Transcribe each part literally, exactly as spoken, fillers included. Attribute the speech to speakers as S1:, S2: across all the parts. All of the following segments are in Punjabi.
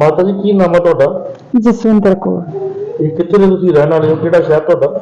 S1: ਮਾਤਾ ਜੀ ਕੀ ਨਾਮ ਹੈ ਤੁਹਾਡਾ?
S2: ਜਸਵਿੰਦਰ ਕੌਰ।
S1: ਇਹ ਕਿੱਥੇ ਦੇ ਤੁਸੀਂ ਰਹਿਣ ਵਾਲੇ ਹੋ? ਕਿਹੜਾ ਸ਼ਹਿਰ ਤੁਹਾਡਾ?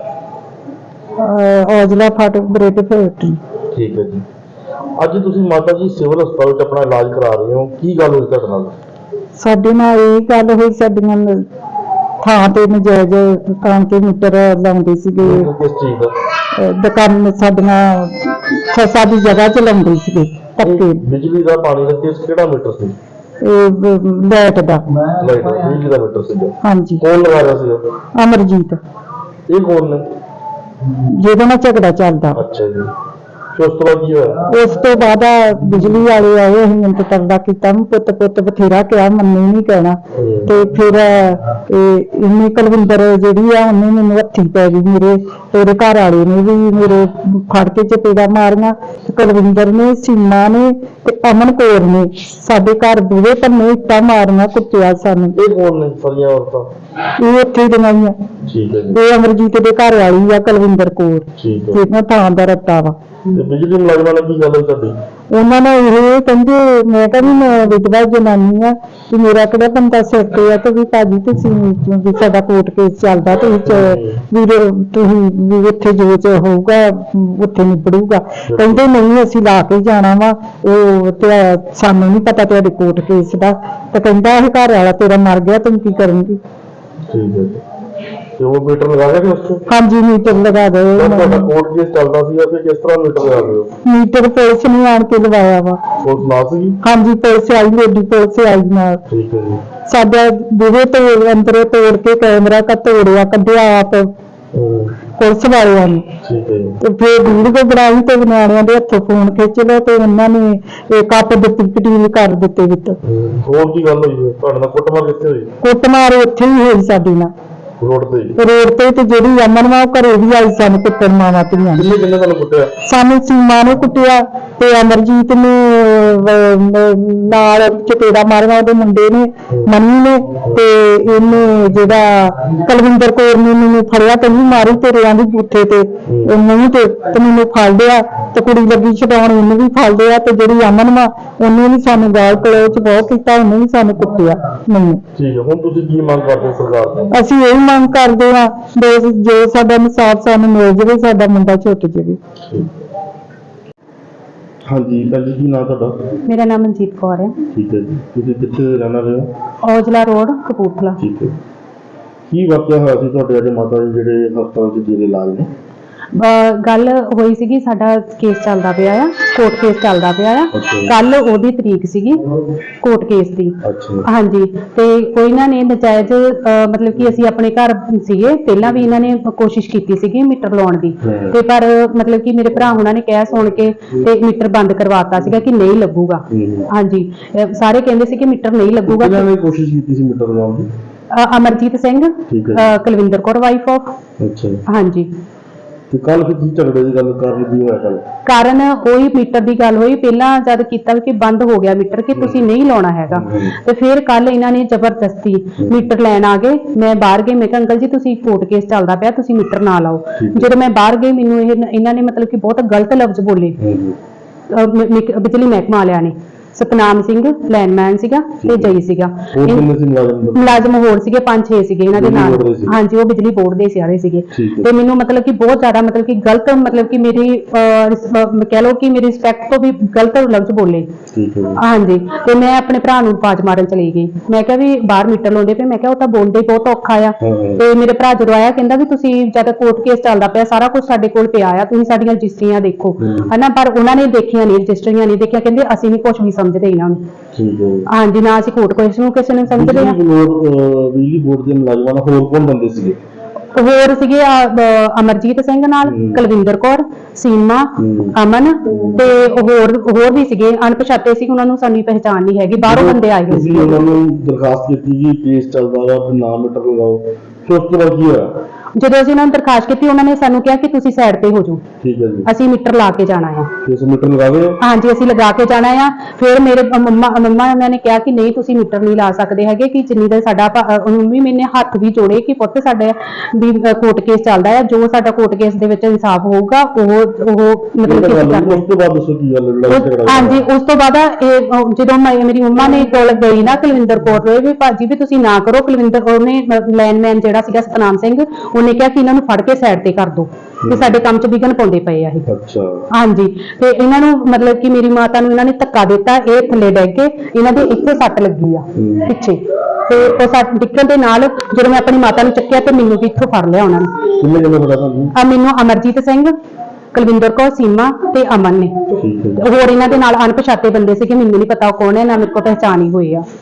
S2: ਔਜਲਾ ਫਾਟਕ ਬ੍ਰੇਡ ਫੈਕਟਰੀ।
S1: ਠੀਕ ਹੈ ਜੀ। ਅੱਜ ਤੁਸੀਂ ਮਾਤਾ ਜੀ ਸਿਵਲ ਹਸਪਤਾਲ 'ਚ ਆਪਣਾ ਇਲਾਜ ਕਰਾ ਰਹੇ ਹੋ, ਕੀ ਗੱਲ ਹੋਈ ਤੁਹਾਡੇ ਨਾਲ?
S2: ਸਾਡੇ ਨਾਲ ਇਹ ਗੱਲ ਹੋਈ, ਸਾਡੀਆਂ ਨ- ਥਾਂ ਤੇ ਨਜਾਇਜ਼ ਦੁਕਾਨ ਤੇ ਮੀਟਰ ਲਾਉਂਦੇ ਸੀਗੇ।
S1: ਕਿਸ ਚੀਜ਼ ਦਾ?
S2: ਅਹ ਦੁਕਾਨ ਸਾਡੀਆਂ ਫਸਾ ਦੀ ਜਗ੍ਹਾ 'ਚ ਲਾਉਂਦੇ ਸੀਗੇ ਧੱਕੇ।
S1: ਇਹ ਬਿਜਲੀ ਦਾ ਪਾਣੀ ਦਾ ਕੇਸ ਕਿਹੜਾ ਮੀਟਰ ਸੀ?
S2: ਇਹ ਲਾਈਟ ਦਾ।
S1: ਲਾਈਟ ਦਾ ਬਿਜਲੀ ਦਾ ਮੀਟਰ ਸੀਗਾ।
S2: ਹਾਂਜੀ।
S1: ਕੌਣ ਲਗਾ ਰਿਹਾ ਸੀ?
S2: ਅਮਰਜੀਤ,
S1: ਇਹ ਕੌਣ ਨੇ?
S2: ਜਿਹਦੇ ਨਾਲ ਝਗੜਾ ਚੱਲਦਾ।
S1: ਅੱਛਾ ਜੀ। ਫਿਰ ਉਸ ਤੋਂ ਬਾਅਦ ਕੀ ਹੋਇਆ?
S2: ਉਸ ਤੋਂ ਬਾਅਦ ਆ ਬਿਜਲੀ ਵਾਲੇ ਆਏ, ਅਸੀਂ ਮਿੰਟ ਤਰਦਾ ਕੀਤਾ, ਪੁੱਤ ਪੁੱਤ ਬਥੇਰਾ ਕਿਹਾ, ਮੰਨੇ ਨਹੀਂ ਕਹਿਣਾ।
S1: ਹੂੰ।
S2: ਤੇ ਫਿਰ ਇਹ ਇੰਨੀ ਕੁਲਵਿੰਦਰ ਜਿਹੜੀ ਆ ਉਹਨੇ ਮੈਨੂੰ ਹੱਥੀ ਪੈ ਗਈ, ਮੇਰੇ ਤੇਰੇ ਘਰ ਵਾਲੇ ਨੇ ਵੀ ਮੇਰੇ ਫੜ ਕੇ ਚਪੇੜਾ ਮਾਰੀਆਂ। ਤੇ ਕੁਲਵਿੰਦਰ ਨੇ, ਸੀਮਾ ਨੇ ਤੇ ਅਮਨ ਕੌਰ ਨੇ ਸਾਡੇ ਘਰ ਬੂਹੇ ਪੰਨੇ ਇੱਟਾਂ ਮਾਰੀਆਂ, ਕੁੱਟਿਆ ਸਾਨੂੰ।
S1: ਇਹ ਕੌਣ ਨੇ ਸਾਰੀਆਂ ਔਰਤਾਂ?
S2: ਇਹ ਉੱਥੇ ਦੀਆਂ ਹੀ ਆ।
S1: ਠੀਕ ਹੈ ਜੀ।
S2: ਇਹ ਅਮਰਜੀਤ ਦੇ ਘਰ ਵਾਲੀ ਆ ਕੁਲਵਿੰਦਰ ਕੌਰ,
S1: ਠੀਕ ਹੈ।
S2: ਜਿਹਨਾਂ ਥਾਂ ਦਾ ਰੱਟਾ ਵਾ।
S1: ਤੇ ਬਿਜਲੀ ਮੁਲਾਜ਼ਮਾਂ ਨਾਲ ਕੀ ਗੱਲ ਹੋਈ ਤੁਹਾਡੀ?
S2: ਉਹਨਾਂ ਨੇ ਇਹ ਕਹਿੰਦੇ, ਮੈਂ ਕਹਿੰਦੀ ਮੈਂ ਵਿਧਵਾ ਜਨਾਨੀ ਆ ਕਿ ਮੇਰਾ ਕਿਹੜਾ ਬੰਦਾ ਸਿਰ ਤੇ ਆ, ਤੇ ਵੀ ਭਾਜੀ ਤੁਸੀਂ ਵੀ ਸਾਡਾ ਕੋਰਟ ਕੇਸ ਚੱਲਦਾ ਤੇ ਵਿੱਚ ਵੀ ਤੁਸੀਂ ਵੀ ਉੱਥੇ ਜੋ ਚ ਹੋਊਗਾ ਉੱਥੇ ਨਿਬੜੂਗਾ। ਕਹਿੰਦੇ ਨਹੀਂ ਅਸੀਂ ਲਾ ਕੇ ਜਾਣਾ ਵਾ, ਉਹ ਤੇ ਸਾਨੂੰ ਨਹੀਂ ਪਤਾ ਤੁਹਾਡੇ ਕੋਰਟ ਕੇਸ ਦਾ। ਤੇ ਕਹਿੰਦਾ ਇਹ ਘਰ ਵਾਲਾ ਤੇਰਾ ਮਰ ਗਿਆ, ਤੂੰ ਕੀ ਕਰੇਂਗੀ?
S1: ਠੀਕ ਹੈ ਜੀ। ਤੇ ਉਹ ਮੀਟਰ ਲਗਾ ਗਿਆ ਕਿ ਉਸ ਤੋਂ?
S2: ਹਾਂਜੀ, ਮੀਟਰ ਲਗਾ ਦੇ।
S1: ਤੁਹਾਡਾ ਕੋਰਟ ਕੇਸ ਚੱਲਦਾ ਸੀ ਫਿਰ ਕਿਸ ਤਰ੍ਹਾਂ ਮੀਟਰ ਲਗਾ ਰਹੇ ਹੋ?
S2: ਮੀਟਰ ਪੁਲਿਸ ਨੇ ਆਣ ਕੇ ਲਵਾਇਆ ਵਾ।
S1: ਪੁਲਿਸ ਨਾਲ ਸੀਗੀ?
S2: ਹਾਂਜੀ, ਪੁਲਿਸ ਆਈ, ਲੇਡੀ ਪੁਲਿਸ ਆਈ ਨਾਲ।
S1: ਠੀਕ ਹੈ ਜੀ।
S2: ਸਾਡਾ ਬੂਹੇ ਤੋੜ ਅੰਦਰੋਂ ਤੋੜ ਕੇ ਕੈਮਰਾ ਕਾ ਤੋੜਿਆ, ਕੱਢਿਆ ਆਪ
S1: ਹੂੰ।
S2: ਪੁਲਿਸ ਵਾਲਿਆਂ ਨੇ।
S1: ਠੀਕ ਹੈ ਜੀ।
S2: ਤੇ ਫਿਰ ਵੀਡੀਓ ਬਣਾਈ ਤੇ ਨਿਆਣਿਆਂ ਦੇ ਹੱਥੋਂ ਫੋਨ ਖਿੱਚ ਲਿਆ ਤੇ ਉਹਨਾਂ ਨੇ ਇਹ ਕੱਪ ਦਿੱਤੀ, ਪਟੀਲ ਕਰ ਦਿੱਤੇ ਵਿੱਚ।
S1: ਹੂੰ। ਹੋਰ ਕੀ ਗੱਲ ਹੋਈ ਹੈ? ਤੁਹਾਡੇ ਨਾਲ ਕੁੱਟਮਾਰ ਕਿੱਥੇ ਹੋਈ?
S2: ਕੁੱਟਮਾਰ ਉੱਥੇ ਹੀ ਹੋਈ ਸਾਡੀ ਨਾਲ,
S1: ਰੋਡ ਤੇ ਹੀ?
S2: ਰੋਡ ਤੇ। ਤੇ ਜਿਹੜੀ ਅਮਨ ਵਾ ਉਹ ਘਰੇ ਵੀ ਆਈ ਸਾਨੂੰ ਕੁੱਟਣ, ਮਾਵਾਂ ਧੀਆਂ।
S1: ਕਿੰਨੇ ਕਿੰਨੇ ਤੁਹਾਨੂੰ ਕੁੱਟਿਆ?
S2: ਸਾਨੂੰ ਸੀਮਾ ਨੇ ਕੁੱਟਿਆ ਤੇ ਅਮਰਜੀਤ ਨੇ ਅਹ, ਨਾਲ ਚਪੇੜਾ ਮਾਰਿਆ, ਉਹਦੇ ਮੁੰਡੇ ਨੇ, ਮੰਨੀ ਨੇ। ਤੇ ਇਹਨੇ ਜਿਹੜਾ ਕੁਲਵਿੰਦਰ ਕੌਰ ਨੇ ਮੈਨੂੰ ਫੜਿਆ, ਕਹਿੰਦੀ ਮਾਰੀ ਤੇਰੇ ਆਂਦੀ ਬੂਥੇ ਤੇ ਨਹੀਂ ਤੇ ਤੇ ਮੈਨੂੰ ਫੜ ਲਿਆ। ਤੇ ਕੁੜੀ ਲੱਗੀ ਛਡਾਉਣ, ਉਹਨੂੰ ਵੀ ਫੜ ਲਿਆ। ਤੇ ਜਿਹੜੀ ਅਮਨ ਵਾ ਉਹਨੇ ਵੀ ਸਾਨੂੰ ਗਾਲ ਕਲੋਚ ਬਹੁਤ ਕੀਤਾ, ਉਹਨੇ ਵੀ ਸਾਨੂੰ ਕੁੱਟਿਆ ਮੈਨੂੰ।
S1: ਠੀਕ ਹੈ। ਹੁਣ ਤੁਸੀਂ ਕੀ ਮੰਗ ਕਰਦੇ ਹੋ ਸਰਕਾਰ ਤੋਂ?
S2: ਅਸੀਂ ਇਹ ਮੰਗ ਕਰਦੇ ਹਾਂ ਵੀ ਜੋ ਸਾਡਾ ਇਨਸਾਫ ਸਾਨੂੰ ਮਿਲ ਜਾਵੇ, ਸਾਡਾ ਮੁੰਡਾ ਛੁੱਟ ਜਾਵੇ।
S1: ਹਾਂਜੀ ਭੈਣ ਜੀ, ਕੀ ਨਾਮ ਤੁਹਾਡਾ?
S3: ਮੇਰਾ ਨਾਮ ਮਨਜੀਤ ਕੌਰ ਹੈ।
S1: ਠੀਕ ਹੈ ਜੀ। ਤੁਸੀਂ ਕਿੱਥੇ ਰਹਿਣ ਵਾਲੇ ਹੋ?
S3: ਔਜਲਾ ਰੋਡ, ਕਪੂਰਥਲਾ।
S1: ਠੀਕ ਹੈ। ਕੀ ਵਾਕਿਆ ਹੋਇਆ ਸੀ ਤੁਹਾਡੇ ਅੱਜ ਮਾਤਾ ਜੀ ਜਿਹੜੇ ਹਸਪਤਾਲ 'ਚ ਜੀਰੇ ਇਲਾਜ ਨੇ?
S3: ਅਹ ਗੱਲ ਹੋਈ ਸੀਗੀ, ਸਾਡਾ ਕੇਸ ਚੱਲਦਾ ਪਿਆ ਆ, ਕੋਰਟ ਕੇਸ ਚੱਲਦਾ ਪਿਆ ਆ।
S1: ਅੱਛਾ।
S3: ਕੱਲ ਉਹਦੀ ਤਰੀਕ ਸੀਗੀ ਕੋਰਟ ਕੇਸ ਦੀ।
S1: ਅੱਛਾ।
S3: ਹਾਂਜੀ। ਤੇ ਕੋਈ ਇਹਨਾਂ ਨੇ ਨਜਾਇਜ਼ ਅਹ ਮਤਲਬ ਕਿ ਅਸੀਂ ਆਪਣੇ ਘਰ ਸੀਗੇ, ਪਹਿਲਾਂ ਵੀ ਇਹਨਾਂ ਨੇ ਕੋਸ਼ਿਸ਼ ਕੀਤੀ ਸੀਗੀ ਮੀਟਰ ਲਾਉਣ ਦੀ।
S1: ਹਮ।
S3: ਤੇ ਪਰ ਮਤਲਬ ਕਿ ਮੇਰੇ ਭਰਾ ਉਹਨਾਂ ਨੇ ਕਹਿ ਸੁਣ ਕੇ ਤੇ ਮੀਟਰ ਬੰਦ ਕਰਵਾਤਾ ਸੀਗਾ ਕਿ ਨਹੀਂ ਲੱਗੂਗਾ।
S1: ਹਮ।
S3: ਹਾਂਜੀ। ਅਹ ਸਾਰੇ ਕਹਿੰਦੇ ਸੀ ਕਿ ਮੀਟਰ ਨਹੀਂ ਲੱਗੂਗਾ।
S1: ਕਿਹਨਾਂ ਨੇ ਕੋਸ਼ਿਸ਼ ਕੀਤੀ ਸੀ ਮੀਟਰ ਲਗਾਉਣ ਦੀ?
S3: ਅਹ ਅਮਰਜੀਤ ਸਿੰਘ,
S1: ਠੀਕ ਹੈ।
S3: ਅਹ ਕੁਲਵਿੰਦਰ ਕੌਰ ਵਾਈਫ ਆਫ।
S1: ਅੱਛਾ ਜੀ।
S3: ਹਾਂਜੀ।
S1: ਤੇ ਕੱਲ ਫਿਰ ਕੀ ਝਗੜੇ ਦੀ ਗੱਲ ਕਰ ਰਹੀ ਹੋਇਆ ਕੱਲ?
S3: ਕਾਰਨ ਉਹੀ ਮੀਟਰ ਦੀ ਗੱਲ ਹੋਈ, ਪਹਿਲਾਂ ਜਦ ਕੀਤਾ ਕਿ ਬੰਦ ਹੋ ਗਿਆ ਮੀਟਰ ਕਿ ਤੁਸੀਂ ਨਹੀਂ ਲਾਉਣਾ ਹੈਗਾ। ਤੇ ਫਿਰ ਕੱਲ ਇਹਨਾਂ ਨੇ ਜ਼ਬਰਦਸਤੀ ਮੀਟਰ ਲੈਣ ਆ ਗਏ। ਮੈਂ ਬਾਹਰ ਗਈ, ਮੈਂ ਕਿਹਾ ਅੰਕਲ ਜੀ ਤੁਸੀਂ ਕੋਰਟ ਕੇਸ ਚੱਲਦਾ ਪਿਆ, ਤੁਸੀਂ ਮੀਟਰ ਨਾ ਲਾਓ। ਜਦੋਂ ਮੈਂ ਬਾਹਰ ਗਈ, ਮੈਨੂੰ ਇਹ ਇਹਨਾਂ ਨੇ ਮਤਲਬ ਕਿ ਬਹੁਤ ਗਲਤ ਲਫ਼ਜ਼ ਬੋਲੇ ਅਹ ਮ- ਮਿਕ- ਬਿਜਲੀ ਮਹਿਕਮਾ ਵਾਲਿਆਂ ਨੇ। ਸਤਨਾਮ ਸਿੰਘ ਲਾਈਨਮੈਨ ਸੀਗਾ ਤੇ ਜਈ ਸੀਗਾ।
S1: ਹੋਰ ਕਿੰਨੇ ਸੀ ਮੁਲਾਜ਼ਮ?
S3: ਮੁਲਾਜ਼ਮ ਹੋਰ ਸੀਗੇ, ਪੰਜ ਛੇ ਸੀਗੇ ਇਹਨਾਂ ਦੇ
S1: ਬਿਜਲੀ
S3: ਨਾਲ।
S1: ਬੋਰਡ ਦੇ ਸੀ?
S3: ਹਾਂਜੀ, ਉਹ ਬਿਜਲੀ ਬੋਰਡ ਦੇ ਸਾਰੇ ਸੀਗੇ।
S1: ਠੀਕ ਹੈ।
S3: ਤੇ ਮੈਨੂੰ ਮਤਲਬ ਕਿ ਬਹੁਤ ਜ਼ਿਆਦਾ ਮਤਲਬ ਕਿ ਗਲਤ ਮਤਲਬ ਕਿ ਮੇਰੀ ਅਹ, ਰਿਸ- ਅਹ, ਕਹਿ ਲਓ ਕਿ ਮੇਰੀ ਰਿਸਪੈਕਟ ਤੋਂ ਵੀ ਗਲਤ ਲਫ਼ਜ਼ ਬੋਲੇ।
S1: ਠੀਕ ਹੈ।
S3: ਹਾਂਜੀ। ਤੇ ਮੈਂ ਆਪਣੇ ਭਰਾ ਨੂੰ ਆਵਾਜ਼ ਮਾਰਨ ਚਲੀ ਗਈ। ਮੈਂ ਕਿਹਾ ਵੀ ਬਾਹਰ ਮੀਟਰ ਲਾਉਂਦੇ ਪਏ, ਮੈਂ ਕਿਹਾ ਉਹ ਤਾਂ ਬੋਲਦੇ ਹੀ ਬਹੁਤ ਔਖਾ ਆ।
S1: ਹਮ।
S3: ਤੇ ਮੇਰੇ ਭਰਾ ਜਦੋਂ ਆਇਆ ਕਹਿੰਦਾ ਵੀ ਤੁਸੀਂ ਜਦ ਕੋਰਟ ਕੇਸ ਚੱਲਦਾ ਪਿਆ, ਸਾਰਾ ਕੁਝ ਸਾਡੇ ਕੋਲ ਪਿਆ ਆ, ਤੁਸੀਂ ਸਾਡੀਆਂ ਰਜਿਸਟਰੀਆਂ ਦੇਖੋ।
S1: ਹਮ।
S3: ਹਨਾ, ਪਰ ਉਹਨਾਂ ਨੇ ਦੇਖੀਆਂ ਨਹੀਂ, ਰਜਿਸਟਰੀਆਂ ਨਹੀਂ ਦੇਖੀਆਂ। ਕਹਿੰਦੇ ਅਸੀਂ ਨਹੀਂ ਕੁਝ ਵੀ ਸਮਝਦੇ ਇਹਨਾਂ ਨੂੰ।
S1: ਠੀਕ ਹੈ।
S3: ਹਾਂਜੀ, ਨਾ ਅਸੀਂ ਕੋਰਟ ਕੇਸ ਨੂੰ ਕਿਸੇ ਨੂੰ ਸਮਝਦੇ ਆ।
S1: ਬਿਜਲੀ ਬੋਰਡ ਅਹ, ਬਿਜਲੀ ਬੋਰਡ ਦੇ ਮੁਲਾਜ਼ਮਾਂ ਨਾਲ ਹੋਰ ਕੌਣ ਬੰਦੇ ਸੀਗੇ?
S3: ਹੋਰ ਸੀਗੇ ਅਹ, ਅਹ, ਅਮਰਜੀਤ ਸਿੰਘ ਨਾਲ,
S1: ਹਮ।
S3: ਕੁਲਵਿੰਦਰ ਕੌਰ, ਸੀਮਾ,
S1: ਹਮ।
S3: ਅਮਨ ਤੇ ਹੋਰ ਹੋਰ ਵੀ ਸੀਗੇ, ਅਣਪਛਾਤੇ ਸੀ, ਉਹਨਾਂ ਨੂੰ ਸਾਡੀ ਪਹਿਚਾਣ ਨਹੀਂ ਹੈਗੀ, ਬਾਹਰੋਂ ਬੰਦੇ ਆਏ ਹੋਏ
S1: ਤੁਸੀਂ
S3: ਸੀ।
S1: ਉਹਨਾਂ ਨੂੰ ਦਰਖਾਸਤ ਕੀਤੀ ਕਿ ਕੇਸ ਚੱਲਦਾ ਵਾ, ਨਾ ਮੀਟਰ ਲਗਾਓ, ਫਿਰ ਉਸ ਤੋਂ ਬਾਅਦ ਕੀ ਹੋਇਆ?
S3: ਜਦੋਂ ਅਸੀਂ ਉਹਨਾਂ ਨੂੰ ਦਰਖਾਸਤ ਕੀਤੀ ਉਹਨਾਂ ਨੇ ਸਾਨੂੰ ਕਿਹਾ ਕਿ ਤੁਸੀਂ ਸਾਈਡ ਤੇ ਹੋ ਜਾਓ,
S1: ਠੀਕ ਹੈ ਜੀ।
S3: ਅਸੀਂ ਮੀਟਰ ਲਾ ਕੇ ਜਾਣਾ ਆ।
S1: ਤੁਸੀਂ ਮੀਟਰ ਲਗਾ ਰਹੇ ਹੋ?
S3: ਹਾਂਜੀ ਅਸੀਂ ਲਗਾ ਕੇ ਜਾਣਾ ਆ। ਫਿਰ ਮੇਰੇ ਮੰਮਾ ਮੰਮਾ ਉਹਨਾਂ ਨੇ ਕਿਹਾ ਕਿ ਨਹੀਂ ਤੁਸੀਂ ਮੀਟਰ ਨਹੀਂ ਲਾ ਸਕਦੇ ਹੈਗੇ, ਕਿ ਜਿੰਨੀ ਦੇਰ ਸਾਡਾ ਮੰਮੀ ਮੈਨੇ ਹੱਥ ਵੀ ਜੋੜੇ ਕਿ ਪੁੱਤ ਸਾਡੇ ਵੀ ਕੋਰਟ ਕੇਸ ਚੱਲਦਾ ਆ, ਜੋ ਸਾਡਾ ਕੋਰਟ ਕੇਸ ਦੇ ਵਿੱਚ ਇਨਸਾਫ ਹੋਊਗਾ ਉਹ ਉਹ ਮਤਲਬ ਕਿ
S1: ਗੱਲ
S3: ਕਰ
S1: ਹੋਈ, ਉਸ ਤੋਂ ਬਾਅਦ ਦੱਸੋ ਕੀ ਗੱਲ ਹੈ, ਲੜਾਈ ਝਗੜਾ
S3: ਉਸ- ਹਾਂਜੀ ਉਸ ਤੋਂ ਬਾਅਦ ਇਹ ਅਹ, ਜਦੋਂ ਮੈਂ ਮੇਰੀ ਮੰਮਾ ਨੇ ਕੋਲ ਗਈ ਨਾ ਕੁਲਵਿੰਦਰ ਕੌਰ ਦੇ ਵੀ ਭਾਜੀ ਵੀ ਤੁਸੀਂ ਨਾ ਕਰੋ, ਕੁਲਵਿੰਦਰ ਉਹਨੇ ਲਾਈਨਮੈਨ ਜਿਹੜਾ ਸੀਗਾ ਸਤਨਾਮ ਸਿੰਘ ਉਹਨੇ ਕਿਹਾ ਕਿ ਇਹਨਾਂ ਨੂੰ ਫੜ ਕੇ ਸਾਈਡ ਤੇ ਕਰ ਦਿਓ ਕਿ ਸਾਡੇ ਕੰਮ 'ਚ ਵਿਘਨ ਪਾਉਂਦੇ ਪਏ ਆ ਇਹ।
S1: ਅੱਛਾ।
S3: ਹਾਂਜੀ ਤੇ ਇਹਨਾਂ ਨੂੰ ਮਤਲਬ ਕਿ ਮੇਰੀ ਮਾਤਾ ਨੂੰ ਇਹਨਾਂ ਨੇ ਧੱਕਾ ਦਿੱਤਾ, ਇਹ ਥੱਲੇ ਡਿੱਗ ਕੇ ਇਹਨਾਂ ਦੇ ਇੱਥੇ ਸੱਟ ਲੱਗੀ ਆ ਪਿੱਛੇ, ਤੇ ਉਹ ਸੱਟ ਡਿੱਗਣ ਦੇ ਨਾਲ ਜਦੋਂ ਮੈਂ ਆਪਣੀ ਮਾਤਾ ਨੂੰ ਚੱਕਿਆ ਤੇ ਮੈਨੂੰ ਵੀ ਇੱਥੋਂ ਫੜ ਲਿਆ ਉਹਨਾਂ ਨੇ।
S1: ਕਿੰਨੇ ਜਣੇ ਪਤਾ ਤੁਹਾਨੂੰ?
S3: ਆ ਮੈਨੂੰ ਅਮਰਜੀਤ ਸਿੰਘ, ਕੁਲਵਿੰਦਰ ਕੌਰ, ਸੀਮਾ ਤੇ ਅਮਨ ਨੇ।
S1: ਠੀਕ ਹੈ।
S3: ਤੇ ਹੋਰ ਇਹਨਾਂ ਦੇ ਨਾਲ ਅਣਪਛਾਤੇ ਬੰਦੇ ਸੀ ਕਿ ਮੈਨੂੰ ਨਹੀਂ ਪਤਾ ਉਹ ਕੌਣ ਹੈ, ਨਾ ਮੇਰੇ ਕੋਲ ਪਹਿਚਾਣ ਹੀ ਹੋਈ ਆ।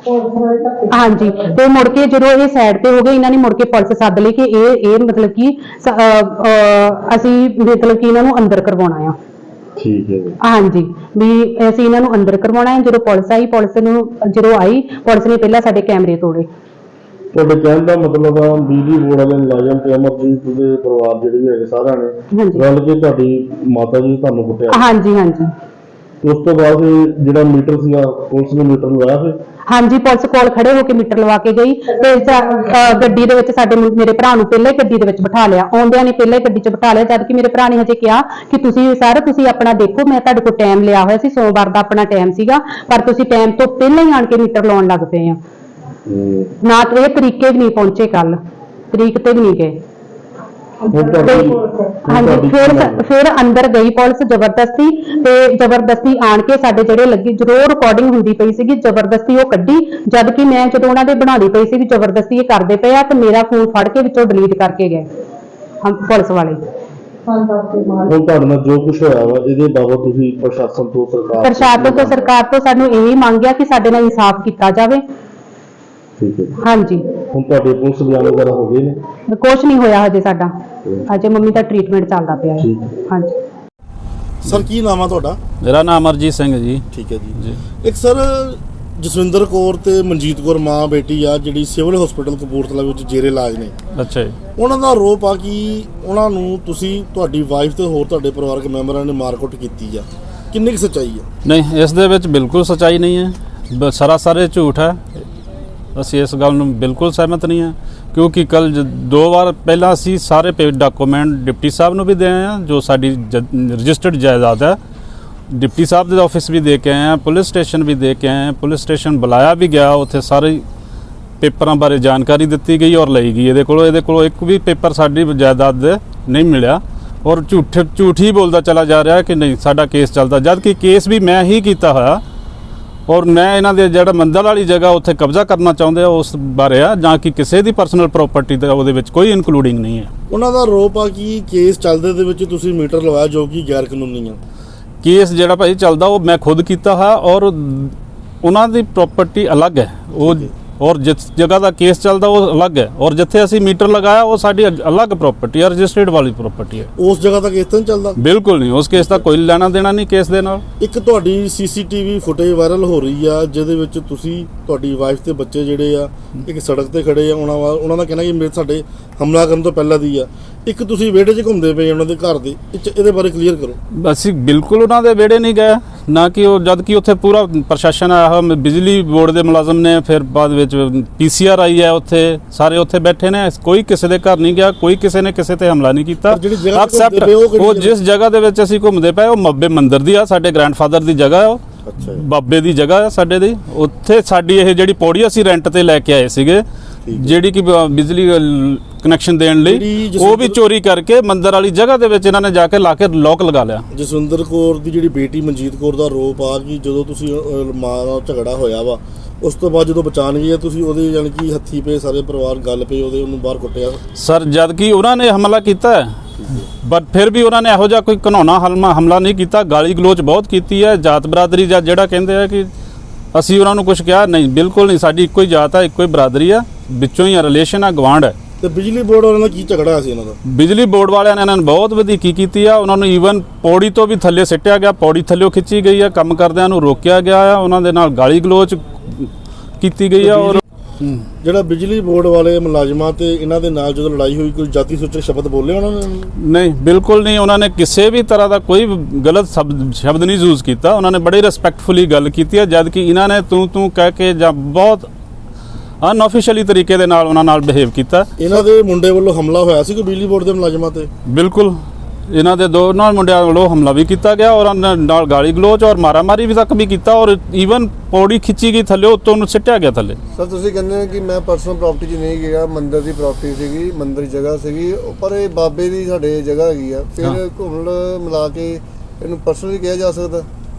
S3: ਹਾਂਜੀ ਤੇ ਮੁੜ ਕੇ ਜਦੋਂ ਇਹ ਸਾਈਡ ਤੇ ਹੋ ਗਏ ਇਹਨਾਂ ਨੇ ਮੁੜ ਕੇ ਪੁਲਿਸ ਸੱਦ ਲਈ ਕਿ ਇਹ ਇਹ ਮਤਲਬ ਕਿ ਸ- ਅਹ, ਅਹ, ਅਸੀਂ ਮਤਲਬ ਕਿ ਇਹਨਾਂ ਨੂੰ ਅੰਦਰ ਕਰਵਾਉਣਾ ਆ।
S1: ਠੀਕ ਹੈ ਜੀ।
S3: ਹਾਂਜੀ ਵੀ ਅਸੀਂ ਇਹਨਾਂ ਨੂੰ ਅੰਦਰ ਕਰਵਾਉਣਾ ਹੈ। ਜਦੋਂ ਪੁਲਿਸ ਆਈ, ਪੁਲਿਸ ਨੂੰ ਜਦੋਂ ਆਈ ਪੁਲਿਸ ਨੇ ਪਹਿਲਾਂ ਸਾਡੇ ਕੈਮਰੇ ਤੋੜੇ।
S1: ਤੁਹਾਡੇ ਕਹਿਣ ਦਾ ਮਤਲਬ ਆ ਬਿਜਲੀ ਬੋਰਡ ਵਾਲੇ ਮੁਲਾਜ਼ਮ ਤੇ ਅਮਰਜੀਤ ਦੇ ਪਰਿਵਾਰ ਜਿਹੜੇ ਵੀ ਹੈਗੇ ਸਾਰਿਆਂ ਨੇ
S3: ਹਾਂਜੀ
S1: ਰਲ ਕੇ ਤੁਹਾਡੀ ਮਾਤਾ ਜੀ ਤੁਹਾਨੂੰ ਕੁੱਟਿਆ।
S3: ਹਾਂਜੀ ਹਾਂਜੀ
S1: ਉਸ ਤੋਂ ਬਾਅਦ ਇਹ ਜਿਹੜਾ ਮੀਟਰ ਸੀਗਾ ਪੁਲਿਸ ਨੇ ਮੀਟਰ ਲਗਾਇਆ ਫਿਰ?
S3: ਹਾਂਜੀ ਪੁਲਿਸ ਕੋਲ ਖੜੇ ਹੋ ਕੇ ਮੀਟਰ ਲਵਾ ਕੇ ਗਈ ਤੇ ਸਾ- ਅਹ ਗੱਡੀ ਦੇ ਵਿੱਚ ਸਾਡੇ ਮੁੰ- ਮੇਰੇ ਭਰਾ ਨੂੰ ਪਹਿਲਾਂ ਹੀ ਗੱਡੀ ਦੇ ਵਿੱਚ ਬਿਠਾ ਲਿਆ, ਆਉਂਦਿਆਂ ਨੇ ਪਹਿਲਾਂ ਹੀ ਗੱਡੀ 'ਚ ਬਿਠਾ ਲਿਆ, ਜਦ ਕਿ ਮੇਰੇ ਭਰਾ ਨੇ ਹਜੇ ਕਿਹਾ ਕਿ ਤੁਸੀਂ ਸਰ ਤੁਸੀਂ ਆਪਣਾ ਦੇਖੋ, ਮੈਂ ਤੁਹਾਡੇ ਕੋਲ ਟਾਈਮ ਲਿਆ ਹੋਇਆ ਸੀ, ਸੋਮਵਾਰ ਦਾ ਆਪਣਾ ਟਾਈਮ ਸੀਗਾ, ਪਰ ਤੁਸੀਂ ਟਾਈਮ ਤੋਂ ਪਹਿਲਾਂ ਹੀ ਆਣ ਕੇ ਮੀਟਰ ਲਾਉਣ ਲੱਗ ਪਏ ਆ।
S1: ਹੂੰ।
S3: ਨਾ ਤੇ ਇਹ ਤਰੀਕੇ ਵੀ ਨਹੀਂ ਪਹੁੰਚੇ, ਕੱਲ ਤਰੀਕ ਤੇ ਵੀ ਨਹੀਂ ਗਏ।
S1: ਹੁਣ ਤੁਹਾਡੀ
S3: ਹਾਂਜੀ ਫਿਰ ਫਿਰ ਅੰਦਰ ਗਈ ਪੁਲਿਸ ਜ਼ਬਰਦਸਤੀ, ਤੇ ਜ਼ਬਰਦਸਤੀ ਆਣ ਕੇ ਸਾਡੇ ਜਿਹੜੇ ਲੱਗੀ ਜੋ ਰਿਕਾਰਡਿੰਗ ਹੁੰਦੀ ਪਈ ਸੀਗੀ ਜ਼ਬਰਦਸਤੀ ਉਹ ਕੱਢੀ, ਜਦ ਕਿ ਮੈਂ ਜਦੋਂ ਉਹਨਾਂ ਦੇ ਬਣਾਉਂਦੀ ਪਈ ਸੀ ਵੀ ਜ਼ਬਰਦਸਤੀ ਇਹ ਕਰਦੇ ਪਏ ਆ, ਤੇ ਮੇਰਾ ਫੋਨ ਫੜ ਕੇ ਵਿੱਚੋਂ ਡਿਲੀਟ ਕਰਕੇ ਗਏ ਹਮ ਪੁਲਿਸ ਵਾਲੇ।
S1: ਹੁਣ ਤੁਹਾਡੇ ਨਾਲ ਜੋ ਕੁਝ ਹੋਇਆ ਵਾ ਇਹਦੇ ਬਾਬਤ ਤੁਸੀਂ ਪ੍ਰਸ਼ਾਸਨ ਤੋਂ ਸਰਕਾਰ
S3: ਪ੍ਰਸ਼ਾਸਨ ਤੋਂ ਸਰਕਾਰ ਤੋਂ ਸਾਨੂੰ ਇਹੀ ਮੰਗਿਆ ਕਿ ਸਾਡੇ ਨਾਲ ਇਨਸਾਫ ਕੀਤਾ ਜਾਵੇ।
S1: ਠੀਕ ਹੈ।
S3: ਹਾਂਜੀ
S1: ਹੁਣ ਤੁਹਾਡੇ ਪੁਲਿਸ ਬਿਆਨ ਵਗੈਰਾ ਹੋ ਗਏ ਨੇ?
S3: ਕੁਛ ਨਹੀਂ ਹੋਇਆ ਹਜੇ ਸਾਡਾ, ਹਜੇ ਮੰਮੀ ਦਾ ਟ੍ਰੀਟਮੈਂਟ ਚੱਲਦਾ ਪਿਆ ਹੈ।
S1: ਠੀਕ।
S3: ਹਾਂਜੀ
S4: ਸਰ ਕੀ ਨਾਮ ਆ ਤੁਹਾਡਾ?
S5: ਮੇਰਾ ਨਾਮ ਅਮਰਜੀਤ ਸਿੰਘ ਜੀ।
S4: ਠੀਕ ਹੈ ਜੀ।
S5: ਜੀ
S4: ਇੱਕ ਸਰ ਜਸਵਿੰਦਰ ਕੌਰ ਤੇ ਮਨਜੀਤ ਕੌਰ ਮਾਂ ਬੇਟੀ ਆ ਜਿਹੜੀ ਸਿਵਲ ਹਸਪੀਟਲ ਕਪੂਰਥਲਾ ਵਿੱਚ ਜੇਰੇ ਇਲਾਜ ਨੇ,
S5: ਅੱਛਾ ਜੀ।
S4: ਉਹਨਾਂ ਦਾ ਆਰੋਪ ਆ ਕਿ ਉਹਨਾਂ ਨੂੰ ਤੁਸੀਂ ਤੁਹਾਡੀ ਵਾਈਫ ਤੇ ਹੋਰ ਤੁਹਾਡੇ ਪਰਿਵਾਰਕ ਮੈਂਬਰਾਂ ਨੇ ਮਾਰਕੁੱਟ ਕੀਤੀ ਆ, ਕਿੰਨੀ ਕੁ ਸੱਚਾਈ ਆ?
S5: ਨਹੀਂ ਇਸ ਦੇ ਵਿੱਚ ਬਿਲਕੁਲ ਸੱਚਾਈ ਨਹੀਂ ਹੈ, ਬ- ਸਰਾਸਰ ਇਹ ਝੂਠ ਹੈ। ਅਸੀਂ ਇਸ ਗੱਲ ਨੂੰ ਬਿਲਕੁਲ ਸਹਿਮਤ ਨਹੀਂ ਹਾਂ, ਕਿਉਂਕਿ ਕੱਲ ਦੋ ਵਾਰ ਪਹਿਲਾਂ ਅਸੀਂ ਸਾਰੇ ਪੇ ਡਾਕੂਮੈਂਟ ਡਿਪਟੀ ਸਾਹਿਬ ਨੂੰ ਵੀ ਦੇ ਆਏ ਹਾਂ, ਜੋ ਸਾਡੀ ਰਜਿਸਟਰਡ ਜਾਇਦਾਦ ਹੈ। ਡਿਪਟੀ ਸਾਹਿਬ ਦੇ ਆਫਿਸ ਵੀ ਦੇ ਕੇ ਆਏ ਹਾਂ, ਪੁਲਿਸ ਸਟੇਸ਼ਨ ਵੀ ਦੇ ਕੇ ਆਏ ਹਾਂ, ਪੁਲਿਸ ਸਟੇਸ਼ਨ ਬੁਲਾਇਆ ਵੀ ਗਿਆ, ਉੱਥੇ ਸਾਰੇ ਪੇਪਰਾਂ ਬਾਰੇ ਜਾਣਕਾਰੀ ਦਿੱਤੀ ਗਈ ਔਰ ਲਈ ਗਈ। ਇਹਦੇ ਕੋਲੋਂ ਇਹਦੇ ਕੋਲੋਂ ਇੱਕ ਵੀ ਪੇਪਰ ਸਾਡੀ ਜਾਇਦਾਦ ਦੇ ਨਹੀਂ ਮਿਲਿਆ, ਔਰ ਝੂਠ ਝੂਠ ਹੀ ਬੋਲਦਾ ਚਲਾ ਜਾ ਰਿਹਾ ਕਿ ਨਹੀਂ ਸਾਡਾ ਕੇਸ ਚੱਲਦਾ, ਜਦ ਕਿ ਕੇਸ ਵੀ ਮੈਂ ਹੀ ਕੀਤਾ ਹੋਇਆ, ਔਰ ਮੈਂ ਇਹਨਾਂ ਦੇ ਜਿਹੜਾ ਮੰਦਰ ਵਾਲੀ ਜਗ੍ਹਾ ਉੱਥੇ ਕਬਜ਼ਾ ਕਰਨਾ ਚਾਹੁੰਦੇ ਆ ਉਸ ਬਾਰੇ ਆ, ਜਾਂ ਕਿ ਕਿਸੇ ਦੀ ਪਰਸਨਲ ਪ੍ਰਾਪਰਟੀ ਦਾ ਉਹਦੇ ਵਿੱਚ ਕੋਈ ਇਨਕਲੂਡਿੰਗ ਨਹੀਂ ਹੈ।
S4: ਉਹਨਾਂ ਦਾ ਆਰੋਪ ਆ ਕਿ ਕੇਸ ਚੱਲਦੇ ਦੇ ਵਿੱਚ ਤੁਸੀਂ ਮੀਟਰ ਲਵਾਇਆ ਜੋ ਕਿ ਗੈਰ ਕਾਨੂੰਨੀ ਆ।
S5: ਕੇਸ ਜਿਹੜਾ ਭਾਈ ਚੱਲਦਾ ਉਹ ਮੈਂ ਖੁਦ ਕੀਤਾ ਹੈ, ਔਰ ਉਹਨਾਂ ਦੀ ਪ੍ਰਾਪਰਟੀ ਅਲੱਗ ਹੈ, ਉਹ ਔਰ ਜਿਸ ਜਗ੍ਹਾ ਦਾ ਕੇਸ ਚੱਲਦਾ ਉਹ ਅਲੱਗ ਹੈ, ਔਰ ਜਿੱਥੇ ਅਸੀਂ ਮੀਟਰ ਲਗਾਇਆ ਉਹ ਸਾਡੀ ਅਲੱਗ ਪ੍ਰਾਪਰਟੀ ਹੈ, ਰਜਿਸਟਰਡ ਵਾਲੀ ਪ੍ਰਾਪਰਟੀ ਹੈ।
S4: ਉਸ ਜਗ੍ਹਾ ਦਾ ਕੇਸ ਤਾਂ ਨਹੀਂ ਚੱਲਦਾ?
S5: ਬਿਲਕੁਲ ਨਹੀਂ, ਉਸ ਕੇਸ ਦਾ ਕੋਈ ਲੈਣਾ ਦੇਣਾ ਨਹੀਂ ਕੇਸ ਦੇ ਨਾਲ।
S4: ਇੱਕ ਤੁਹਾਡੀ ਸੀਸੀਟੀਵੀ ਫੁਟੇਜ ਵਾਇਰਲ ਹੋ ਰਹੀ ਆ ਜਿਹਦੇ ਵਿੱਚ ਤੁਸੀਂ ਤੁਹਾਡੀ ਵਾਈਫ ਤੇ ਬੱਚੇ ਜਿਹੜੇ ਆ ਇੱਕ ਸੜਕ ਤੇ ਖੜੇ ਆ, ਉਹਨਾਂ ਵਾ ਉਹਨਾਂ ਦਾ ਕਹਿਣਾ ਕਿ ਮੇਰੇ ਸਾਡੇ ਹਮਲਾ ਕਰਨ ਤੋਂ ਪਹਿਲਾਂ ਦੀ ਆ, ਇੱਕ ਤੁਸੀਂ ਵਿਹੜੇ 'ਚ ਘੁੰਮਦੇ ਪਏ ਉਹਨਾਂ ਦੇ ਘਰ ਦੇ, ਇਹਦੇ ਬਾਰੇ ਕਲੀਅਰ ਕਰੋ।
S5: ਅਸੀਂ ਬਿਲਕੁਲ ਉਹਨਾਂ ਦੇ ਵਿਹੜੇ ਨਹੀਂ ਗਏ, ਨਾ ਕਿ ਉਹ ਜਦ ਕਿ ਉੱਥੇ ਪੂਰਾ ਪ੍ਰਸ਼ਾਸਨ ਆਇਆ ਹੋਇਆ, ਬਿਜਲੀ ਬੋਰਡ ਦੇ ਮੁਲਾਜ਼ਮ ਨੇ, ਫਿਰ ਬਾਅਦ ਵਿੱਚ ਪੀਸੀਆਰ ਆਈ ਹੈ, ਉੱਥੇ ਸਾਰੇ ਉੱਥੇ ਬੈਠੇ ਨੇ, ਕੋਈ ਕਿਸੇ ਦੇ ਘਰ ਨਹੀਂ ਗਿਆ, ਕੋਈ ਕਿਸੇ ਨੇ ਕਿਸੇ ਤੇ ਹਮਲਾ ਨਹੀਂ ਕੀਤਾ।
S4: ਜਿਹੜੀ ਜਗ੍ਹਾ ਤੇ
S5: ਐਕਸੈਪਟ
S4: ਘੁੰਮਦੇ ਪਏ ਉਹ ਕਿਹੜੀ
S5: ਉਹ ਜਿਸ ਜਗ੍ਹਾ ਦੇ ਵਿੱਚ ਅਸੀਂ ਘੁੰਮਦੇ ਪਏ ਉਹ ਮੱਬੇ ਮੰਦਿਰ ਦੀ ਆ, ਸਾਡੇ ਗ੍ਰੈਂਡਫਾਦਰ ਦੀ ਜਗ੍ਹਾ ਹੈ, ਉਹ
S4: ਅੱਛਾ ਜੀ।
S5: ਬਾਬੇ ਦੀ ਜਗ੍ਹਾ ਹੈ ਸਾਡੇ ਦੀ। ਉੱਥੇ ਸਾਡੀ ਇਹ ਜਿਹੜੀ ਪੌੜੀ ਅਸੀਂ ਰੈਂਟ ਤੇ ਲੈ ਕੇ ਆਏ ਸੀਗੇ, ਜਿਹੜੀ ਕਿ ਬ- ਬਿਜਲੀ ਕਨੈਕਸ਼ਨ ਦੇਣ ਲਈ,
S4: ਜਿਹੜੀ
S5: ਉਹ ਵੀ ਚੋਰੀ ਕਰਕੇ ਮੰਦਿਰ ਵਾਲੀ ਜਗ੍ਹਾ ਦੇ ਵਿੱਚ ਇਹਨਾਂ ਨੇ ਜਾ ਕੇ ਲਾ ਕੇ ਲੋਕ ਲਗਾ ਲਿਆ।
S4: ਜਸਵਿੰਦਰ ਕੌਰ ਦੀ ਜਿਹੜੀ ਬੇਟੀ ਮਨਜੀਤ ਕੌਰ ਦਾ ਆਰੋਪ ਆ ਕਿ ਜਦੋਂ ਤੁਸੀਂ ਅਹ, ਮਾਂ ਨਾਲ ਝਗੜਾ ਹੋਇਆ ਵਾ, ਉਸ ਤੋਂ ਬਾਅਦ ਜਦੋਂ ਬਚਾਣ ਗਏ ਤੁਸੀਂ ਉਹਦੇ ਯਾਨੀ ਕਿ ਹੱਥੀ ਪਏ ਸਾਰੇ ਪਰਿਵਾਰ ਗੱਲ ਪਏ ਉਹਦੇ, ਉਹਨੂੰ ਬਾਹਰ ਕੁੱਟਿਆ।
S5: ਸਰ ਜਦ ਕਿ ਉਹਨਾਂ ਨੇ ਹਮਲਾ ਕੀਤਾ ਹੈ, ਬਟ ਫਿਰ ਵੀ ਉਹਨਾਂ ਨੇ ਇਹੋ ਜਿਹਾ ਕੋਈ ਘਿਨੌਣਾ ਹਮਲਾ ਹਮਲਾ ਨਹੀਂ ਕੀਤਾ, ਗਾਲੀ ਗਲੋਚ ਬਹੁਤ ਕੀਤੀ ਹੈ। ਜਾਤ ਬਰਾਦਰੀ ਜਾਂ ਜਿਹੜਾ ਕਹਿੰਦੇ ਆ ਕਿ ਅਸੀਂ ਉਹਨਾਂ ਨੂੰ ਕੁਝ ਕਿਹਾ, ਨਹੀਂ ਬਿਲਕੁਲ ਨਹੀਂ, ਸਾਡੀ ਇੱਕੋ ਹੀ ਜਾਤ ਹੈ, ਇੱਕੋ ਹੀ ਬਰਾਦਰੀ ਆ, ਵਿੱਚੋਂ ਹੀ ਰਿਲੇਸ਼ਨ ਆ, ਗਵਾਂਢ ਹੈ।
S4: ਤੇ ਬਿਜਲੀ ਬੋਰਡ ਵਾਲਿਆਂ ਨਾਲ ਕੀ ਝਗੜਾ ਸੀ ਇਹਨਾਂ ਦਾ?
S5: ਬਿਜਲੀ ਬੋਰਡ ਵਾਲਿਆਂ ਨੇ ਇਹਨਾਂ ਨੂੰ ਬਹੁਤ ਵਧੀਕੀ ਕੀਤੀ ਆ, ਉਹਨਾਂ ਨੂੰ ਈਵਨ ਪੌੜੀ ਤੋਂ ਵੀ ਥੱਲੇ ਸਿੱਟਿਆ ਗਿਆ, ਪੌੜੀ ਥੱਲੇ ਖਿੱਚੀ ਗਈ ਆ, ਕੰਮ ਕਰਦਿਆਂ ਨੂੰ ਰੋਕਿਆ ਗਿਆ ਆ, ਉਹਨਾਂ ਦੇ ਨਾਲ ਗਾਲੀ ਗਲੋਚ ਕੀਤੀ ਗਈ ਆ। ਔਰ
S4: ਜਿਹੜਾ ਬਿਜਲੀ ਬੋਰਡ ਵਾਲੇ ਮੁਲਾਜ਼ਮਾਂ ਤੇ ਇਹਨਾਂ ਦੇ ਨਾਲ ਜਦੋਂ ਲੜਾਈ ਹੋਈ ਕੋਈ ਜਾਤੀ ਸੂਚਕ ਸ਼ਬਦ ਬੋਲੇ ਉਹਨਾਂ ਨੇ?
S5: ਨਹੀਂ, ਬਿਲਕੁਲ ਨਹੀਂ। ਉਹਨਾਂ ਨੇ ਕਿਸੇ ਵੀ ਤਰ੍ਹਾਂ ਦਾ ਕੋਈ ਗਲਤ ਸ਼ਬਦ ਸ਼ਬਦ ਨਹੀਂ ਯੂਜ਼ ਕੀਤਾ। ਉਹਨਾਂ ਨੇ ਬੜੀ ਰਿਸਪੈਕਟਫੁਲੀ ਗੱਲ ਕੀਤੀ ਹੈ, ਜਦ ਕਿ ਇਹਨਾਂ ਨੇ ਤੂੰ ਤੂੰ ਕਹਿ ਕੇ ਜਾਂ ਬਹੁਤ ਅਨਆਫੀਸ਼ੀਅਲੀ ਤਰੀਕੇ ਦੇ ਨਾਲ ਉਹਨਾਂ ਨਾਲ ਬਿਹੇਵ ਕੀਤਾ।
S4: ਇਹਨਾਂ ਦੇ ਮੁੰਡੇ ਵੱਲੋਂ ਹਮਲਾ ਹੋਇਆ ਸੀ ਕੋਈ ਬਿਜਲੀ ਬੋਰਡ ਦੇ ਮੁਲਾਜ਼ਮਾਂ ਤੇ?
S5: ਬਿਲਕੁਲ, ਇਹਨਾਂ ਦੇ ਦੋਨਾਂ ਮੁੰਡਿਆਂ ਵੱਲੋਂ ਹਮਲਾ ਵੀ ਕੀਤਾ ਗਿਆ ਔਰ ਉਹਨਾਂ ਨਾਲ ਗਾਲੀ ਗਲੋਚ ਔਰ ਮਾਰਾਮਾਰੀ ਵੀ ਤੱਕ ਵੀ ਕੀਤਾ ਔਰ ਈਵਨ ਪੌੜੀ ਖਿੱਚੀ ਗਈ ਥੱਲੇ, ਉੱਤੋਂ ਉਹਨੂੰ ਸਿੱਟਿਆ ਗਿਆ ਥੱਲੇ।
S6: ਸਰ ਤੁਸੀਂ ਕਹਿੰਦੇ ਹੋ ਕਿ ਮੈਂ ਪਰਸਨਲ ਪ੍ਰਾਪਰਟੀ 'ਚ ਨਹੀਂ ਗਿਆ, ਮੰਦਿਰ ਦੀ ਪ੍ਰਾਪਰਟੀ ਸੀਗੀ, ਮੰਦਿਰ ਦੀ ਜਗ੍ਹਾ ਸੀਗੀ, ਪਰ ਇਹ ਬਾਬੇ ਦੀ ਸਾਡੇ ਜਗ੍ਹਾ ਹੈਗੀ ਆ, ਫਿਰ ਘੁੰਮਣ ਮਿਲਾ ਕੇ ਇਹਨੂੰ ਪਰਸਨਲੀ ਕਿਹਾ ਜਾ ਸਕਦਾ?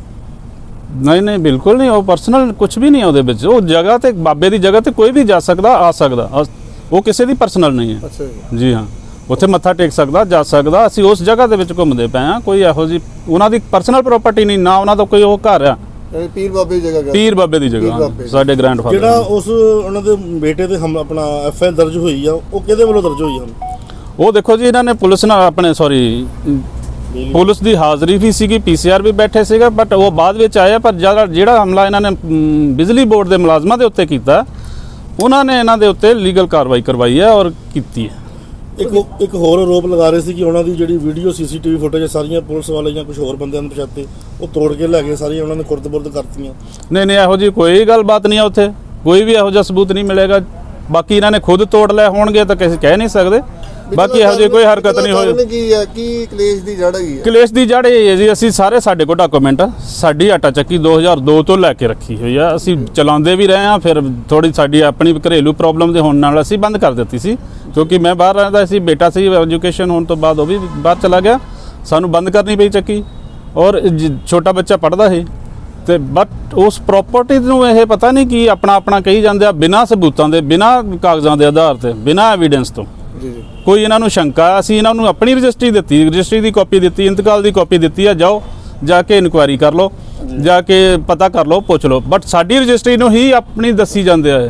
S5: ਨਹੀਂ ਨਹੀਂ, ਬਿਲਕੁਲ ਨਹੀਂ। ਉਹ ਪਰਸਨਲ ਕੁਝ ਵੀ ਨਹੀਂ ਹੈ ਉਹਦੇ ਵਿੱਚ। ਉਹ ਜਗ੍ਹਾ ਤੇ ਬਾਬੇ ਦੀ ਜਗ੍ਹਾ ਤੇ ਕੋਈ ਵੀ ਜਾ ਸਕਦਾ, ਆ ਸਕਦਾ। ਉਹ ਕਿਸੇ ਦੀ ਪਰਸਨਲ ਨਹੀਂ ਹੈ।
S6: ਅੱਛਾ ਜੀ।
S5: ਜੀ ਹਾਂ, ਉੱਥੇ ਮੱਥਾ ਟੇਕ ਸਕਦਾ, ਜਾ ਸਕਦਾ। ਅਸੀਂ ਉਸ ਜਗ੍ਹਾ ਦੇ ਵਿੱਚ ਘੁੰਮਦੇ ਪਏ ਹਾਂ। ਕੋਈ ਇਹੋ ਜਿਹੀ ਉਹਨਾਂ ਦੀ ਪਰਸਨਲ ਪ੍ਰਾਪਰਟੀ ਨਹੀਂ, ਨਾ ਉਹਨਾਂ ਦਾ ਕੋਈ ਉਹ ਘਰ ਆ।
S6: ਯਾਨੀ ਪੀਰ ਬਾਬੇ ਦੀ ਜਗ੍ਹਾ?
S5: ਪੀਰ ਬਾਬੇ ਦੀ ਜਗ੍ਹਾ,
S6: ਬਾਬੇ।
S5: ਸਾਡੇ ਗ੍ਰੈਂਡਫਾਦਰ।
S4: ਜਿਹੜਾ ਉਸ ਉਹਨਾਂ ਦੇ ਬੇਟੇ ਤੇ ਹਮ ਆਪਣਾ ਐਫ ਆਈ ਆਰ ਦਰਜ ਹੋਈ ਆ, ਉਹ ਕਿਹਦੇ ਵੱਲੋਂ ਦਰਜ ਹੋਈ ਹਨ?
S5: ਉਹ ਦੇਖੋ ਜੀ, ਇਹਨਾਂ ਨੇ ਪੁਲਿਸ ਨਾਲ ਆਪਣੇ ਸੌਰੀ ਪੁਲਿਸ ਦੀ ਹਾਜ਼ਰੀ ਵੀ ਸੀਗੀ, ਪੀ ਸੀ ਆਰ ਵੀ ਬੈਠੇ ਸੀਗੇ, ਬਟ ਉਹ ਬਾਅਦ ਵਿੱਚ ਆਇਆ। ਪਰ ਜਿਹੜਾ ਜਿਹੜਾ ਹਮਲਾ ਇਹਨਾਂ ਨੇ ਮ, ਬਿਜਲੀ ਬੋਰਡ ਦੇ ਮੁਲਾਜ਼ਮਾਂ ਦੇ ਉੱਤੇ ਕੀਤਾ, ਉਹਨਾਂ ਨੇ ਇਹਨਾਂ ਦੇ ਉੱਤੇ ਲੀਗਲ ਕਾਰਵਾਈ ਕਰਵਾਈ ਹੈ ਔਰ ਕੀਤੀ ਹੈ।
S4: ਇੱਕ ਇੱਕ ਹੋਰ ਆਰੋਪ ਲਗਾ ਰਹੇ ਸੀ ਕਿ ਉਹਨਾਂ ਦੀ ਜਿਹੜੀ ਵੀਡੀਓ ਸੀਸੀਟੀਵੀ ਫੁਟੇਜ ਸਾਰੀਆਂ ਪੁਲਿਸ ਵਾਲੇ ਜਾਂ ਕੁਝ ਹੋਰ ਬੰਦਿਆਂ ਨੂੰ ਪਛਾਤੇ ਉਹ ਤੋੜ ਕੇ ਲੈ ਗਏ, ਸਾਰੀਆਂ ਉਹਨਾਂ ਨੇ ਖੁਰਦ-ਬੁਰਦ ਕਰਤੀਆਂ।
S5: ਨਹੀਂ ਨਹੀਂ, ਇਹੋ ਜਿਹੀ ਕੋਈ ਗੱਲਬਾਤ ਨਹੀਂ ਆ। ਉੱਥੇ ਕੋਈ ਵੀ ਇਹੋ ਜਿਹਾ ਸਬੂਤ ਨਹੀਂ ਮਿਲੇਗਾ। ਬਾਕੀ ਇਹਨਾਂ ਨੇ ਖੁਦ ਤੋੜ ਲਏ ਹੋਣਗੇ ਤਾਂ ਕਿਸੇ ਕਹਿ ਨਹੀਂ ਸਕਦੇ। ਬਾਕੀ ਇਹੋ ਜਿਹੀ ਕੋਈ ਹਰਕਤ ਨਹੀਂ ਹੋਈ।
S6: ਕੀ ਹੈ ਕੀ ਕਲੇਸ਼ ਦੀ ਜੜ ਹੈਗੀ ਹੈ?
S5: ਕਲੇਸ਼ ਦੀ ਜੜ ਇਹ ਹੈ ਜੀ, ਅਸੀਂ ਸਾਰੇ ਸਾਡੇ ਕੋਲ ਡਾਕੂਮੈਂਟ ਆ। ਸਾਡੀ ਆਟਾ ਚੱਕੀ ਦੋ ਹਜ਼ਾਰ ਦੋ ਤੋਂ ਲੈ ਕੇ ਰੱਖੀ ਹੋਈ ਆ। ਅਸੀਂ ਚਲਾਉਂਦੇ ਵੀ ਰਹੇ ਹਾਂ। ਫਿਰ ਥੋੜੀ ਸਾਡੀ ਆਪਣੀ ਘਰੇਲੂ ਪ੍ਰੋਬਲਮ ਦੇ ਹੋਣ ਨਾਲ ਅਸੀਂ ਬੰਦ ਕਰ ਦਿੱਤੀ ਸੀ, ਕਿਉਂਕਿ ਮੈਂ ਬਾਹਰ ਰਹਿੰਦਾ ਸੀ, ਬੇਟਾ ਸੀ, ਐਜੂਕੇਸ਼ਨ ਹੋਣ ਤੋਂ ਬਾਅਦ ਉਹ ਵੀ ਬਾਹਰ ਚਲਾ ਗਿਆ, ਸਾਨੂੰ ਬੰਦ ਕਰਨੀ ਪਈ ਚੱਕੀ। ਔਰ ਛੋਟਾ ਬੱਚਾ ਪੜ੍ਹਦਾ ਸੀ ਤੇ ਬਟ ਉਸ ਪ੍ਰਾਪਰਟੀ ਨੂੰ ਇਹ ਪਤਾ ਨਹੀਂ ਕਿ ਆਪਣਾ ਆਪਣਾ ਕਹੀ ਜਾਂਦੇ ਆ, ਬਿਨਾਂ ਸਬੂਤਾਂ ਦੇ, ਬਿਨਾਂ ਕਾਗਜ਼ਾਂ ਦੇ ਆਧਾਰ ਤੇ, ਬਿਨਾਂ ਐਵੀਡੈਂਸ ਤੋਂ।
S6: ਜੀ ਜੀ।
S5: ਕੋਈ ਇਹਨਾਂ ਨੂੰ ਸ਼ੰਕਾ, ਅਸੀਂ ਇਹਨਾਂ ਨੂੰ ਆਪਣੀ ਰਜਿਸਟਰੀ ਦਿੱਤੀ, ਰਜਿਸਟਰੀ ਦੀ ਕਾਪੀ ਦਿੱਤੀ, ਇੰਤਕਾਲ ਦੀ ਕਾਪੀ ਦਿੱਤੀ ਆ, ਜਾਓ ਜਾ ਕੇ ਇਨਕੁਆਇਰੀ ਕਰ ਲਓ, ਜਾ ਕੇ ਪਤਾ ਕਰ ਲਓ, ਪੁੱਛ ਲਓ। ਬਟ ਸਾਡੀ ਰਜਿਸਟਰੀ ਨੂੰ ਹੀ ਆਪਣੀ ਦੱਸੀ ਜਾਂਦੇ ਆ।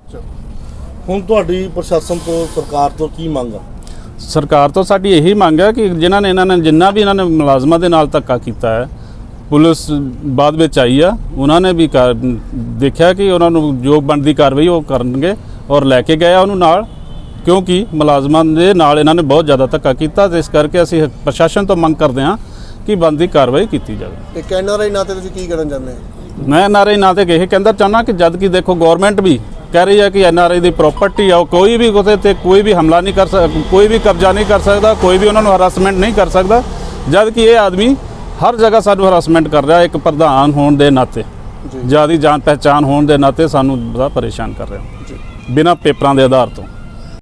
S4: ਹੁਣ ਤੁਹਾਡੀ ਪ੍ਰਸ਼ਾਸਨ ਤੋਂ, ਸਰਕਾਰ ਤੋਂ ਕੀ ਮੰਗ ਆ?
S5: ਸਰਕਾਰ ਤੋਂ ਸਾਡੀ ਇਹੀ ਮੰਗ ਹੈ ਕਿ ਜਿਨ੍ਹਾਂ ਨੇ ਇਹਨਾਂ ਨੇ ਜਿੰਨਾ ਵੀ ਇਹਨਾਂ ਨੇ ਮੁਲਾਜ਼ਮਾਂ ਦੇ ਨਾਲ ਧੱਕਾ ਕੀਤਾ ਹੈ, ਪੁਲਿਸ ਬਾਅਦ ਵਿੱਚ ਆਈ ਆ, ਉਹਨਾਂ ਨੇ ਵੀ ਕਾਰ- ਦੇਖਿਆ ਕਿ ਉਹਨਾਂ ਨੂੰ ਜੋ ਬਣਦੀ ਕਾਰਵਾਈ ਉਹ ਕਰਨਗੇ ਔਰ ਲੈ ਕੇ ਗਏ ਆ ਉਹਨੂੰ ਨਾਲ, ਕਿਉਂਕਿ ਮੁਲਾਜ਼ਮਾਂ ਦੇ ਨਾਲ ਇਹਨਾਂ ਨੇ ਬਹੁਤ ਜ਼ਿਆਦਾ ਧੱਕਾ ਕੀਤਾ। ਤੇ ਇਸ ਕਰਕੇ ਅਸੀਂ ਪ੍ਰਸ਼ਾਸਨ ਤੋਂ ਮੰਗ ਕਰਦੇ ਹਾਂ ਕਿ ਬਣਦੀ ਕਾਰਵਾਈ ਕੀਤੀ ਜਾਵੇ।
S6: ਤੇ ਐਨ ਆਰ ਆਈ ਨਾਤੇ ਤੁਸੀਂ ਕੀ ਕਰਨ ਚਾਹੁੰਦੇ ਹੋ?
S5: ਮੈਂ ਐਨ ਆਰ ਆਈ ਨਾਂ ਤੇ ਇਹ ਕਹਿੰਦਾ ਚਾਹੁੰਦਾ ਕਿ ਜਦ ਕਿ ਦੇਖੋ ਗਵਰਨਮੈਂਟ ਵੀ ਕਹਿ ਰਹੀ ਹੈ ਕਿ N R I the property ਆ, ਕੋਈ ਵੀ ਉਹਦੇ ਤੇ ਕੋਈ ਵੀ ਹਮਲਾ ਨਹੀਂ ਕਰ ਸਕਦਾ, ਕੋਈ ਵੀ ਕਬਜ਼ਾ ਨਹੀਂ ਕਰ ਸਕਦਾ, ਕੋਈ ਵੀ ਉਹਨਾਂ ਨੂੰ ਹਰਾਸਮੈਂਟ ਨਹੀਂ ਕਰ ਸਕਦਾ, ਜਦ ਕਿ ਇਹ ਆਦਮੀ ਹਰ ਜਗ੍ਹਾ ਸਾਨੂੰ ਹਰਾਸਮੈਂਟ ਕਰ ਰਿਹਾ। ਇੱਕ ਪ੍ਰਧਾਨ ਹੋਣ ਦੇ ਨਾਤੇ, ਜਿਆਦਾ ਜਾਣ ਪਹਿਚਾਣ ਹੋਣ ਦੇ ਨਾਤੇ ਸਾਨੂੰ ਬੜਾ ਪਰੇਸ਼ਾਨ ਕਰ ਰਿਹਾ, ਬਿਨਾਂ ਪੇਪਰਾਂ ਦੇ ਆਧਾਰ ਤੋਂ।